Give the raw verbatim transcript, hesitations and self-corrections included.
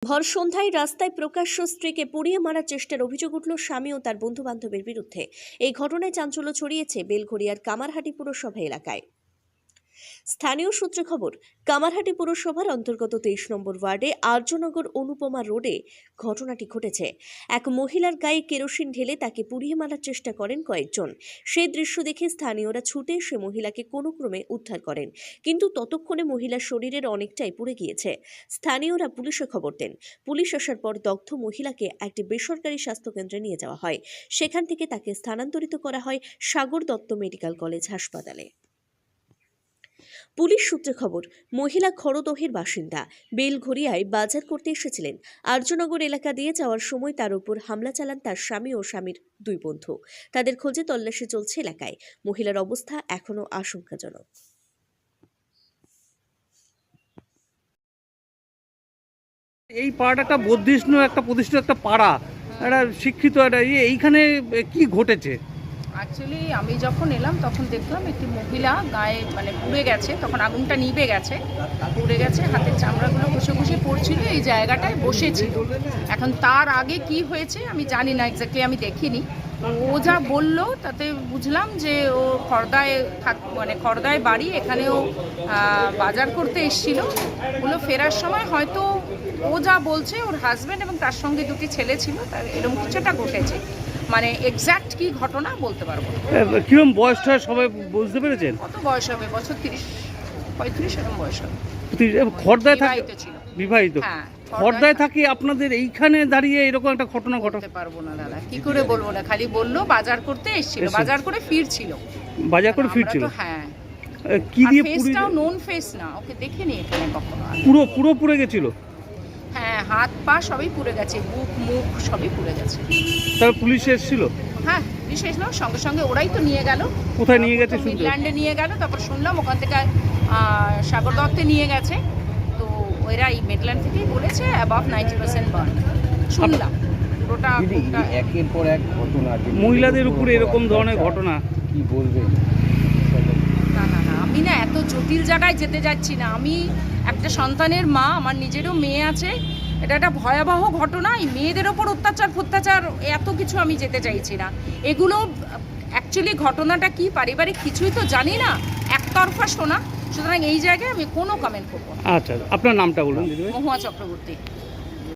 ভর সন্ধ্যায় রাস্তায় প্রকাশ্য স্ত্রীকে পুড়িয়ে মারার চেষ্টার অভিযোগ উঠল স্বামী ও তার বন্ধু বান্ধবের বিরুদ্ধে। এই ঘটনায় চাঞ্চল্য ছড়িয়েছে বেলঘড়িয়ার কামারহাটি পুরসভা এলাকায়। স্থানীয় সূত্রে খবর, কামারহাটি পুরসভার অন্তর্গত তেইশ নম্বর ওয়ার্ডে আর্যনগর অনুপমা রোডে ঘটনাটি ঘটেছে। এক মহিলার গায়ে কেরোসিন ঢেলে তাকে পুড়িয়ে মারার চেষ্টা করেন কয়েকজন। সেই দৃশ্য দেখে স্থানীয়রা ছুটে এসে মহিলাকে কোনো ক্রমে উদ্ধার করেন, কিন্তু ততক্ষণে মহিলার শরীরের অনেকটাই পুড়ে গিয়েছে। স্থানীয়রা পুলিশে খবর দেন। পুলিশ আসার পর দগ্ধ মহিলাকে একটি বেসরকারি স্বাস্থ্যকেন্দ্রে নিয়ে যাওয়া হয়। সেখান থেকে তাকে স্থানান্তরিত করা হয় সাগর দত্ত মেডিকেল কলেজ হাসপাতালে। পুলিশ সূত্রে খবর, মহিলা খড়দহের বাসিন্দা। বেলঘড়িয়ায় বাজার করতে এসেছিলেন। আর্যনগর এলাকা দিয়ে যাওয়ার সময় তার উপর হামলা চালান তার স্বামী ও স্বামীর দুই বন্ধু। তাদের খোঁজে তল্লাশি চলছে এলাকায়। মহিলার অবস্থা এখনো আশঙ্কাজনক। এই পাড়াটা একটা বর্ধিষ্ণু একটা প্রতিষ্ঠিত একটা পাড়া, একটা শিক্ষিত একটা ইয়ে, এইখানে কি ঘটেছে? অ্যাকচুয়ালি আমি যখন এলাম তখন দেখলাম একটি মহিলা গায়ে মানে পুড়ে গেছে, তখন আগুনটা নিভে গেছে, পুড়ে গেছে, হাতের চামড়াগুলো ঘষে ঘষে পড়ছিল, এই জায়গাটায় বসেছিল। এখন তার আগে কি হয়েছে আমি জানি না, এক্স্যাক্টলি আমি দেখিনি। ও যা বললো তাতে বুঝলাম যে ও খড়দায় থাক মানে খড়দায় বাড়ি, এখানেও বাজার করতে এসেছিল। ওগুলো ফেরার সময় হয়তো ও যা বলছে ওর হাজব্যান্ড এবং তার সঙ্গে দুটি ছেলে ছিল, তার এরকম কিছুটা ঘটেছে। মানে এক্স্যাক্ট কি ঘটনা বলতে পারবো না। কিরকম বয়সটা সবাই বুঝতে পেরেছেন? কত বয়স হবে? বছর তিরিশ পঁয়ত্রিশ এরকম বয়স হবে। খড়দায় থাকে, ছিল বিবাহিত। হ্যাঁ, খড়দায় থাকি আপনাদের এইখানে দাঁড়িয়ে এরকম একটা ঘটনা ঘটাতে পারবো না দাদা, কি করে বলবো না। খালি বললো বাজার করতে এসেছিল, বাজার করে ফিরছিল। বাজার করে ফিরছিল, হ্যাঁ। কি দিয়ে ফেসটাও নোন ফেস না, ওকে দেখিনি এখানে কখনো। পুরো পুরো পুড়ে গেছিল? হ্যাঁ, হাত পা সবই পুড়ে গেছে, বুক মুখ সবই পুড়ে গেছে। তারপর পুলিশ এসেছিল? হ্যাঁ, পুলিশ এসেছিল, সঙ্গে সঙ্গে ওরাই তো নিয়ে গেল। কোথায় নিয়ে গেছে? মিডল্যান্ডে নিয়ে গেল, তারপর শুনলাম ওখান থেকে সাগর দত্তে নিয়ে গেছে। তো ওরা এই মিডল্যান্ড থেকেই বলেছে অ্যাবাভ নাইনটি পার্সেন্ট বার্ন শুনলাম। পুরোটা একের পর এক ঘটনা, মহিলাদের উপরে এরকম ধরনের ঘটনা কি বলবেন? না না না, আমি না এত জটিল জায়গায় যেতে যাচ্ছি না। আমি একটা সন্তানের মা, আমার নিজেরও মেয়ে আছে। এটা একটা ভয়াবহ ঘটনা। এই মেয়েদের ওপর অত্যাচার ফত্যাচার এত কিছু আমি যেতে চাইছি না। এগুলো অ্যাকচুয়ালি ঘটনাটা কি পারিবারিক কিছুই তো জানি না, একতরফা শোনা। সুতরাং এই জায়গায় আমি কোনো কমেন্ট করবো না। আচ্ছা, আপনার নামটা বলুন দিদিভাই। মহুয়া চক্রবর্তী।